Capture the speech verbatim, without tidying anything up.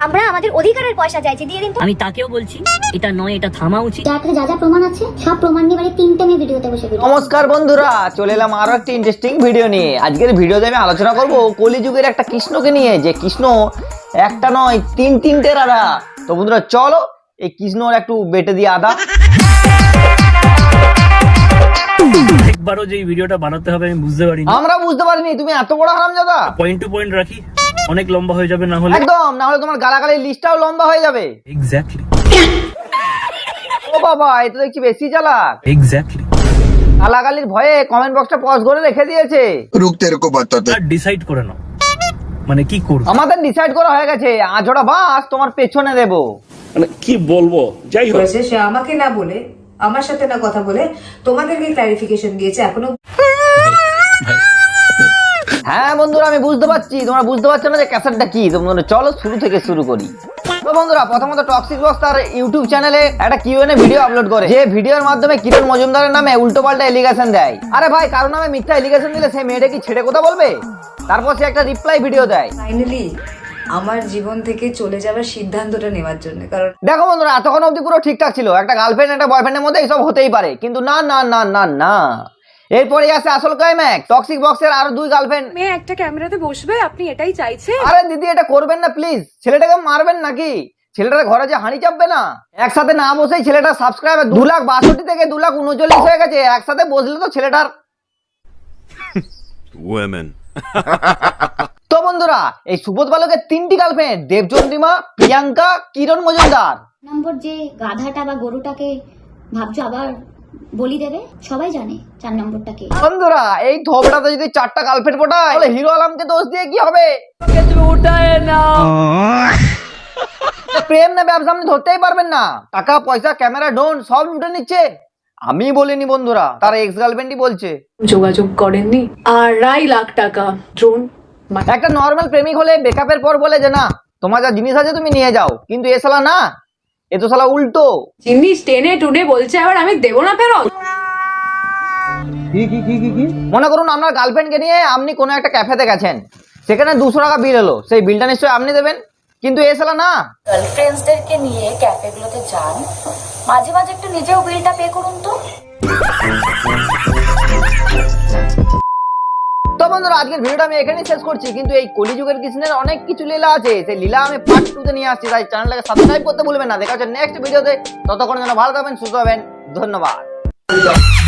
আমরা আমাদের অধিকারের পয়সা চাইছি, দিয়ে দিন তো। আমি তাকেও বলছি এটা নয়, এটা থামা উচিত। যার কাছে যা যা প্রমাণ আছে সব প্রমাণ নিয়ে বাড়ি তিনটে মেয়ে ভিডিওতে বসে ভিডিও। নমস্কার বন্ধুরা, চলে এলাম আরো একটা ইন্টারেস্টিং ভিডিও নিয়ে। আজকের ভিডিওতে আমি আলোচনা করব কলিযুগের একটা কৃষ্ণকে নিয়ে, যে কৃষ্ণ একটা নয় তিন তিনটে রাধা। তো বন্ধুরা চলো এই কৃষ্ণর একটু বেটে দিয়ে আদা। একবারও যে এই ভিডিওটা বানাতে হবে আমি বুঝতে পারিনি। আমরা বুঝতে পারিনি তুমি এত বড় হারামজাদা। পয়েন্ট টু পয়েন্ট রাখি, অনেক লম্বা হয়ে যাবে না হলে। একদম, না হলে তোমার গালাগালির লিস্টটাও লম্বা হয়ে যাবে। এক্স্যাক্টলি ও বাবা, এটা দেখছি বেশি চালাক। এক্স্যাক্টলি গালাগালির ভয়ে কমেন্ট বক্সটা পজ করে রেখে দিয়েছে। रुक तेरे को बताते আর ডিসাইড করে নাও মানে কি করব। আমাদের ডিসাইড করা হয়ে গেছে, আজোড়া বাস তোমার পেছনে দেবো। মানে কি বলবো, যাই হোক হয়েছে সে আমাকে না বলে, আমার সাথে না কথা বলে তোমাদেরকে ক্লারিফিকেশন দিয়েছে। এখনো হ্যাঁ বন্ধুরা, আমি বুঝতে পারছি তোমরা বুঝতে পারছো না যে ক্যাসেটটা কি। তো বন্ধুরা চলো শুরু থেকে শুরু করি। তো বন্ধুরা প্রথমত টক্সিক বক্স তার ইউটিউব চ্যানেলে একটা কিউএনএ ভিডিও আপলোড করে, যে ভিডিওর মাধ্যমে কিরণ মজুমদারের নামে উল্টো পাল্টা এলিগেশন দেয়। আরে ভাই, কারো নামে মিথ্যা এলিগেশন দিলে সেই মেয়েটা কি ছেড়ে কথা বলবে? তারপর সে একটা রিপ্লাই ভিডিও দেয় ফাইনালি আমার জীবন থেকে চলে যাওয়ার সিদ্ধান্তটা নেওয়ার জন্য। কারণ দেখো বন্ধুরা, এতক্ষণ অব্দি পুরো ঠিকঠাক ছিল, একটা গার্লফ্রেন্ড একটা বয়ফ্রেন্ডের মধ্যে এইসব হতেই পারে, কিন্তু না না না না না, এরপরে আসে আসল ক্লাইম্যাক্স। টক্সিক বক্সের আরো দুই গার্লফ্রেন্ড মেয়ে একটা ক্যামেরাতে বসবে, আপনি এটাই চাইছেন? আরে দিদি, এটা করবেন না প্লিজ। ছেলেটাকে মারবেন নাকি? ছেলেটার ঘরে যে হাঁড়ি চাপবে না। একসাথে না বসেই ছেলেটা সাবস্ক্রাইবার দু লাখ বাষট্টি থেকে দু লাখ উনচল্লিশ হয়ে গেছে। একসাথে বসলে তো ছেলেটার তো বন্ধুরা, এই সুবোধ বালকের তিনটি গার্লফ্রেন্ড, দেবচন্দ্রিমা, প্রিয়াঙ্কা, কিরণ মজুমদার। নম্বর যে গাধাটা বা গরুটাকে ভাবছো আবার বলি দেবে, সবাই জানে চার নম্বরটাকে। বন্ধুরা এই থোবড়াতে যদি চারটা গার্লফ্রেন্ড পটায় তাহলে হিরো আলমকে দোষ দিয়ে কি হবে? প্রেম না ব্যবসা আপনি ধরতেই পারবেন না। টাকা পয়সা ক্যামেরা ডোন সব লুটে নিচ্ছে। আমি বলিনি বন্ধুরা, তার এক্স গার্লফ্রেন্ডই বলছে। যোগাযোগ করেননি, আড়াই লাখ টাকা ড্রোন। একটা নর্মাল প্রেমিক হলে ব্রেকআপের পর বলে যে না তোমার যা জিনিস আছে তুমি নিয়ে যাও, কিন্তু এ শালা না, এ তো শালা উল্টো। জিনিস টেনে টুনে বলছে আবার আমি দেবো না ফেরত। মনে করুন আপনার গার্লফ্রেন্ডকে নিয়ে আপনি কোনো একটা ক্যাফেতে গেছেন, সেখানে দুশো টাকা বিল হলো, সেই বিলটা নিশ্চয়ই আপনি দেবেন, কিন্তু এ শালা না। গার্লফ্রেন্ডসদেরকে নিয়ে ক্যাফেগুলোতে যান, মাঝে মাঝে একটু নিজেও বিলটা পে করুন তো। তো বন্ধুরা আজকের ভিডিওটা আমি এখানেই শেষ করছি, কিন্তু এই কলিযুগের কৃষ্ণের অনেক কিছু লীলা আছে, সেই লীলা আমি পার্ট টু তে নিয়ে আসছি। তাই চ্যানেলটাকে সাবস্ক্রাইব করতে ভুলবেন না। দেখা হচ্ছে নেক্সট ভিডিওতে। ততক্ষণ যেন ভালো থাকবেন, সুস্থ হবেন। ধন্যবাদ।